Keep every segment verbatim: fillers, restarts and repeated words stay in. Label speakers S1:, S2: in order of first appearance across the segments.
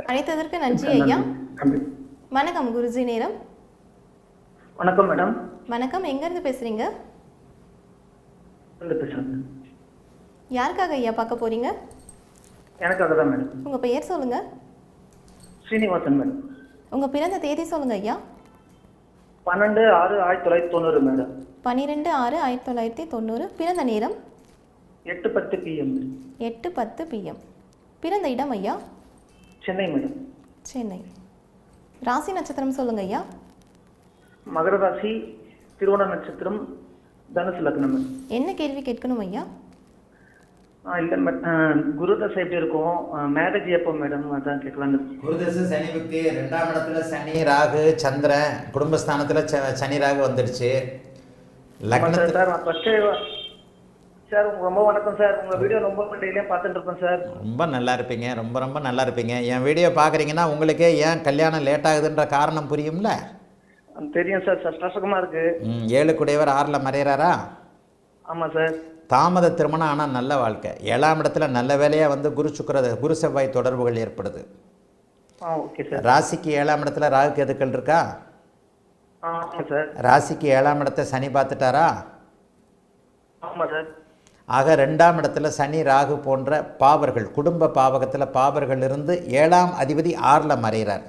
S1: அழைத்ததற்கு நன்றி ஐயா. வணக்கம் குருஜி நேரம்.
S2: வணக்கம் மேடம்.
S1: வணக்கம், எங்கேருந்து பேசுகிறீங்க?
S2: பேசுகிறேன்.
S1: யாருக்காக ஐயா பார்க்க போகிறீங்க?
S2: எனக்காக தான் மேடம்.
S1: உங்கள் பெயர் சொல்லுங்கள்.
S2: ஸ்ரீனிவாசன் மேடம்.
S1: உங்கள் பிறந்த தேதி சொல்லுங்கள் ஐயா.
S2: பன்னெண்டு ஆறு ஆயிரத்தி தொள்ளாயிரத்தி தொண்ணூறு மேடம்.
S1: பன்னிரெண்டு ஆறு ஆயிரத்தி தொள்ளாயிரத்தி தொண்ணூறு. பிறந்த நேரம்
S2: எட்டு பத்து பிஎம்.
S1: எட்டு பத்து பிஎம். பிறந்த இடம் ஐயா?
S2: சென்னை மேடம்.
S1: சென்னை. ராசி நட்சத்திரம் சொல்லுங்க ஐயா.
S2: மகர ராசி, திருவோண நட்சத்திரம், தனுசு லக்னம்.
S1: என்ன கேள்வி கேட்கணும் ஐயா?
S2: இல்லை மேடம், குருதசை எப்படி இருக்கும், மேரேஜ் எப்போ மேடம், அதான் கேட்கலாம்.
S3: குருதசை சனி புக்தி ரெண்டாம் இடத்துல சனி ராகு சந்திரன், குடும்பஸ்தானத்தில் சனி ராகு வந்துடுச்சு. லக்னத்தில்
S2: சார் நான் ஃபஸ்ட்டு சார் ரொம்ப வணக்கம் சார். உங்கள் வீடியோ ரொம்ப டெய்லியும் பார்த்துட்டு இருப்பேன் சார்.
S3: ரொம்ப நல்லா இருப்பீங்க, ரொம்ப ரொம்ப நல்லா இருப்பீங்க. என் வீடியோ பார்க்குறீங்கன்னா உங்களுக்கே ஏன் கல்யாணம் லேட் ஆகுதுன்ற காரணம் புரியும்ல?
S2: தெரியும் சார். கஷ்டமாக இருக்கு.
S3: ம் ஏழு குடையவர் ஆறில் மறைகிறாரா?
S2: ஆமாம் சார்.
S3: தாமத திருமணம் ஆனால் நல்ல வாழ்க்கை. ஏழாம் இடத்துல நல்ல வேலையாக வந்து குரு சுக்கிர குரு செவ்வாய் தொடர்புகள் ஏற்படுது.
S2: ஆ ஓகே சார்.
S3: ராசிக்கு ஏழாம் இடத்துல ராகு கேதுக்கள் இருக்கா?
S2: ஆமாம் சார்.
S3: ராசிக்கு ஏழாம் இடத்த சனி பார்த்துட்டாரா?
S2: ஆமாம் சார்.
S3: ஆக ரெண்டாம் இடத்துல சனி ராகு போன்ற பாவர்கள், குடும்ப பாவகத்தில் பாவர்கள் இருந்து ஏழாம் அதிபதி ஆறில் மறைகிறார்.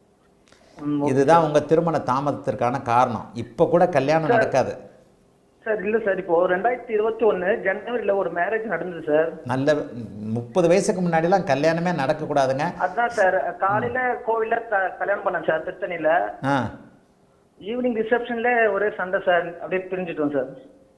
S3: இதுதான் உங்கள் திருமண தாமதத்திற்கான காரணம். இப்போ கூட கல்யாணம் நடக்காது
S2: சார். இல்லை சார், இப்போ ரெண்டாயிரத்தி இருபத்தி ஒன்று ஜனவரியில் ஒரு மேரேஜ் நடந்தது சார்.
S3: நல்ல முப்பது வயசுக்கு முன்னாடிலாம் கல்யாணமே நடக்கக்கூடாதுங்க.
S2: அதுதான் சார், காலையில் கோவிலில் கல்யாணம் பண்ணேன் சார் திருத்தணியில்.
S3: ஆ
S2: ஈவினிங் ரிசப்ஷனில் ஒரே சண்டை சார், அப்படியே பிரிஞ்சுட்டோம் சார்.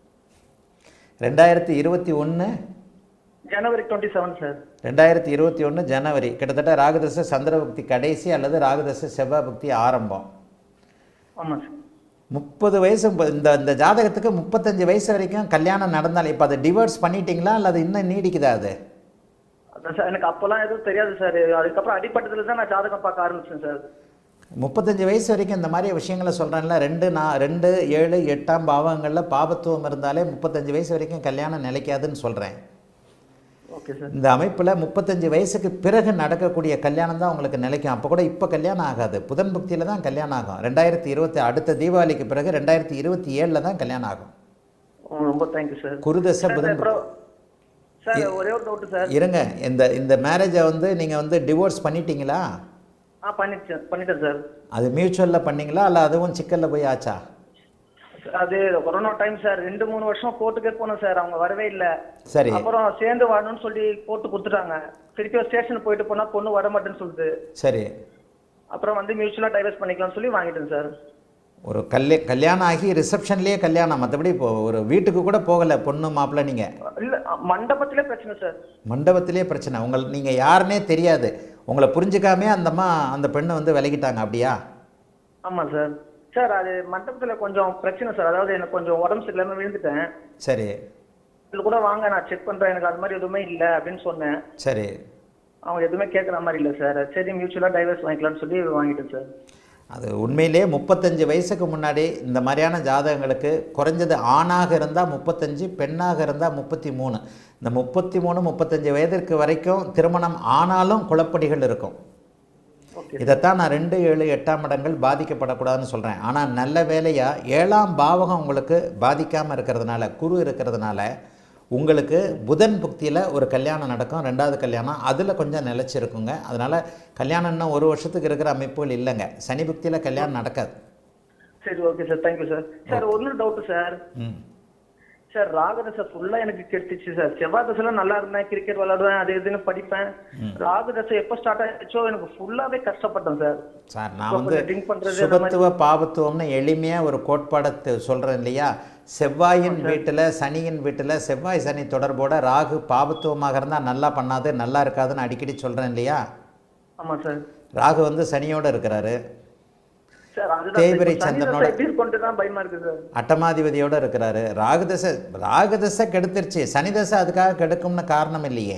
S3: ரெண்டாயிரத்தி இருபத்தி ஒன்று
S2: ஜனவரி டுவெண்ட்டி செவன் சார்.
S3: ரெண்டாயிரத்தி இருபத்தி ஒன்று ஜனவரி. கிட்டத்தட்ட ராகுதசை சந்திரபக்தி கடைசி அல்லது ராகுதசை செவ்வாய் பக்தி ஆரம்பம்.
S2: ஆமாம் சார்.
S3: முப்பது வயசு இந்த இந்த ஜாதகத்துக்கு முப்பத்தஞ்சு வயசு வரைக்கும் கல்யாணம் நடந்தால் இப்போ அதை டிவோர்ஸ் பண்ணிட்டீங்களா அல்லது இன்னும் நீடிக்குதா? அது
S2: அதான் சார், எனக்கு அப்போல்லாம் எதுவும் தெரியாது சார். அதுக்கப்புறம் அடிப்பட்டதுல தான் நான் ஜாதகம் பார்க்க ஆரம்பிச்சேன் சார்.
S3: முப்பத்தஞ்சு வயசு வரைக்கும் இந்த மாதிரி விஷயங்களை சொல்கிறேன்ல, ரெண்டு நான் ரெண்டு ஏழு எட்டாம் பாவங்களில் பாபத்துவம் இருந்தாலே முப்பத்தஞ்சு வயசு வரைக்கும் கல்யாணம் நிலைக்காதுன்னு சொல்கிறேன்.
S2: Okay sir.
S3: இந்த அமைப்பில் முப்பத்தஞ்சு வயசுக்கு பிறகு நடக்கக்கூடிய கல்யாணம் தான் உங்களுக்கு நிலைக்கும். அப்போ கூட இப்போ கல்யாணம் ஆகாது, புதன் பக்தியில் தான் கல்யாணம் ஆகும். ரெண்டாயிரத்தி இருபத்தி அடுத்த தீபாவளிக்கு பிறகு ரெண்டாயிரத்தி இருபத்தி ஏழில் தான் கல்யாணம் ஆகும்.
S2: ரொம்ப தேங்க்யூ சார்.
S3: குருதசை புதன்
S2: சார். ஒரே ஒரு டவுட் சார்.
S3: இருங்க, இந்த இந்த மேரேஜை வந்து நீங்கள் வந்து டிவோர்ஸ் பண்ணிட்டீங்களா?
S2: ஆ பண்ணிட்டேன் பண்ணிட்டேன் சார்.
S3: அது மியூச்சுவலில் பண்ணீங்களா இல்லை அதுவும் சிக்கலில் போய் ஆச்சா?
S2: அது கொரோனா டைம் சார். ரெண்டு மூணு வருஷம் கோர்ட்டுக்கே போனோம் சார், அவங்க வரவே இல்லை.
S3: சரி.
S2: அப்புறம் சேர்ந்து வாழணும்னு சொல்லி கோர்ட்டு கொடுத்துட்டாங்க. திருப்பி ஸ்டேஷன் போயிட்டு போனால் பொண்ணு வர மாட்டேன்னு சொல்லுது.
S3: சரி.
S2: அப்புறம் வந்து மியூச்சுவலாக டைவர்ஸ் பண்ணிக்கலாம்னு சொல்லி வாங்கிட்டேன் சார்.
S3: ஒரு கல்ய கல்யாணம் ஆகி ரிசப்ஷன்லேயே கல்யாணம், மற்றபடி இப்போ ஒரு வீட்டுக்கு கூட போகலை பொண்ணு மாப்பிள்ளை? நீங்கள்
S2: இல்லை, மண்டபத்திலே பிரச்சனை சார்.
S3: மண்டபத்திலே பிரச்சனை. உங்கள் நீங்கள் யாருன்னே தெரியாது, உங்களை புரிஞ்சுக்காமே அந்தம்மா அந்த பெண்ணை வந்து விலகிட்டாங்க, அப்படியா?
S2: ஆமாம் சார். சார் அது மண்டபத்தில் கொஞ்சம் பிரச்சனை சார். அதாவது எனக்கு கொஞ்சம் உடம்பு சரியில்லாமல் விழுந்துட்டேன்.
S3: சரி.
S2: இதில் கூட வாங்க நான் செக் பண்ணுறேன், எனக்கு அது மாதிரி எதுவுமே இல்லை அப்படின்னு சொன்னேன்.
S3: சரி.
S2: அவங்க எதுவுமே கேட்குற மாதிரி இல்லை சார். சரி மியூச்சுவலாக டைவர்ஸ் வாங்கிக்கலாம்னு சொல்லி வாங்கிட்டேன் சார்.
S3: அது உண்மையிலே முப்பத்தஞ்சு வயசுக்கு முன்னாடி இந்த மாதிரியான ஜாதகங்களுக்கு குறைஞ்சது ஆணாக இருந்தால் முப்பத்தஞ்சு, பெண்ணாக இருந்தால் முப்பத்தி மூணு. இந்த முப்பத்தி மூணு முப்பத்தஞ்சு வயதிற்கு வரைக்கும் திருமணம் ஆனாலும் குழப்படிகள் இருக்கும். இதைத்தான் நான் ரெண்டு ஏழு எட்டாம் இடங்கள் பாதிக்கப்படக்கூடாதுன்னு சொல்கிறேன். ஆனால் நல்ல வேலையாக ஏழாம் பாவகம் உங்களுக்கு பாதிக்காமல் இருக்கிறதுனால, குரு இருக்கிறதுனால உங்களுக்கு புதன் புக்தியில் ஒரு கல்யாணம் நடக்கும், ரெண்டாவது கல்யாணம் அதில் கொஞ்சம் நிலச்சிருக்குங்க. அதனால் கல்யாணம் இன்னும் ஒரு வருஷத்துக்கு இருக்கிற அமைப்புகள் இல்லைங்க. சனி புக்தியில் கல்யாணம் நடக்காது.
S2: சரி okay sir, thank you sir. Sir ஒன்று டவுட்டு சார்.
S3: ம்
S2: சார் ராகுதசை ஃபுல்லாக எனக்கு கெடுத்துச்சு சார். செவ்வாய் தசைலாம் நல்லா இருந்தேன், கிரிக்கெட் விளாடுவேன், அது இதுன்னு படிப்பேன். ராகுதசை எப்போ ஸ்டார்ட் ஆகிடுச்சோ எனக்கு ஃபுல்லாகவே கஷ்டப்பட்டேன் சார்.
S3: சார் நான் வந்து சுபத்துவ பாபத்துவம்னு எளிமையாக ஒரு கோட்பாடத்தை சொல்கிறேன் இல்லையா? செவ்வாயின் வீட்டில் சனியின் வீட்டில் செவ்வாய் சனி தொடர்போட ராகு பாபத்துவமாக இருந்தால் நல்லா பண்ணாது, நல்லா இருக்காதுன்னு அடிக்கடி சொல்கிறேன் இல்லையா?
S2: ஆமாம் சார்.
S3: ராகு வந்து சனியோடு இருக்கிறாரு, தேய்பிரை சந்திரனோட அட்டமாதிபதியோடு இருக்கிறாரு. ராகுதசை ராகுதசை கெடுத்துருச்சு, சனி தசை அதுக்காக கெடுக்கும்னு காரணம் இல்லையே.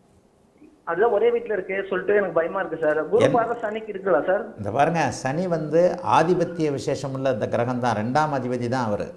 S2: அதுதான் ஒரே வீட்டில் இருக்கே சொல்லிட்டு எனக்கு பயமா இருக்கு சார். குரு பார்வை சனிக்கு இருக்குல்ல சார்?
S3: இந்த பாருங்க, சனி வந்து ஆதிபத்திய விசேஷம் உள்ள இந்த கிரகம் தான், ரெண்டாம் அதிபதி தான் அவர்.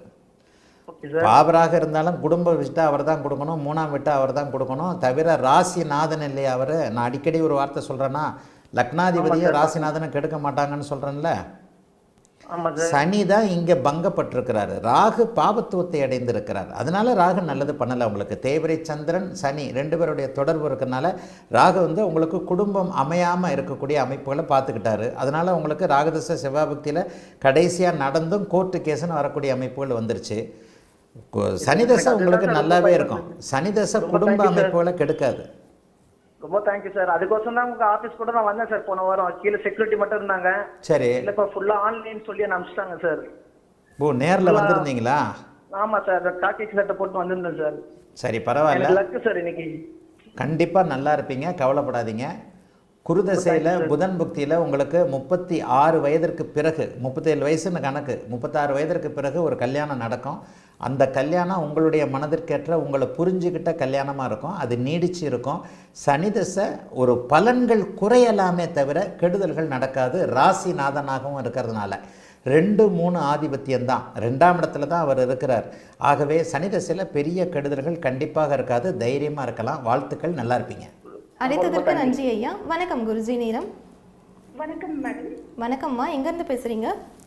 S3: பாபராக இருந்தாலும் குடும்ப விட்டா அவர் தான் கொடுக்கணும், மூணாம் விட்டா அவர் தான் கொடுக்கணும். தவிர ராசி நாதன் இல்லையா அவர்? நான் அடிக்கடி ஒரு வார்த்தை சொல்கிறேன்னா, லக்னாதிபதியை ராசிநாதனை கெடுக்க மாட்டாங்கன்னு சொல்கிறேன்ல.
S2: ஆமா சார்.
S3: சனி தான் இங்கே பங்கப்பட்டிருக்கிறாரு. ராகு பாபத்துவத்தை அடைந்திருக்கிறார். அதனால ராகு நல்லது பண்ணலை உங்களுக்கு. தேவரை சந்திரன் சனி ரெண்டு பேருடைய தொடர்பு இருக்கிறனால ராகு வந்து உங்களுக்கு குடும்பம் அமையாமல் இருக்கக்கூடிய அமைப்புகளை பார்த்துக்கிட்டாரு. அதனால் உங்களுக்கு ராகதச செவ்வாபக்தியில் கடைசியாக நடந்தும் கோர்ட்டு கேஸுன்னு வரக்கூடிய அமைப்புகள் வந்துருச்சு. சனிதசை உங்களுக்கு நல்லாவே இருக்கும். சனிதசை குடும்ப அமைப்புகளை கெடுக்காது.
S2: ரொம்ப தேங்க்யூ சார். அதுக்கோசம் தான் உங்க ஆபீஸ் கூட நான் வந்தேன் சார் போன வாரம். கீழே செக்யூரிட்டி மட்டும் இருந்தாங்க.
S3: சரி.
S2: இல்ல இப்ப ஃபுல்லா ஆன்லைன் சொல்லி அனுப்பிச்சிட்டாங்க சார்.
S3: ஓ, நேரில் வந்திருந்தீங்களா?
S2: ஆமா சார், காக்கி சட்டை போட்டு வந்திருந்தேன் சார்.
S3: சரி, பரவாயில்ல.
S2: லக்கு சார் இன்னைக்கு.
S3: கண்டிப்பாக நல்லா இருப்பீங்க, கவலைப்படாதீங்க. குருதசையில் புதன் புக்தியில் உங்களுக்கு முப்பத்தி ஆறு வயதிற்கு பிறகு, முப்பத்தேழு வயசுன்னு கணக்கு, முப்பத்தாறு வயதிற்கு பிறகு ஒரு கல்யாணம் நடக்கும். அந்த கல்யாணம் உங்களுடைய மனதிற்கேற்ற உங்களை புரிஞ்சுக்கிட்ட கல்யாணமாக இருக்கும். அது நீடிச்சு இருக்கும். சனிதசை ஒரு பலன்கள் குறையலாமே தவிர கெடுதல்கள் நடக்காது. ராசிநாதனாகவும் இருக்கிறதுனால ரெண்டு மூணு ஆதிபத்தியம்தான், ரெண்டாம் இடத்துல தான் அவர் இருக்கிறார். ஆகவே சனிதசையில் பெரிய கெடுதல்கள் கண்டிப்பாக இருக்காது. தைரியமாக இருக்கலாம். வாழ்த்துக்கள், நல்லா இருப்பீங்க.
S1: அழைத்ததற்கு நன்றி ஐயா. வணக்கம் குருஜி. நேரம்.
S4: வணக்கம் மேடம்.
S1: வணக்கம்மா, எங்கேருந்து பேசுகிறீங்க?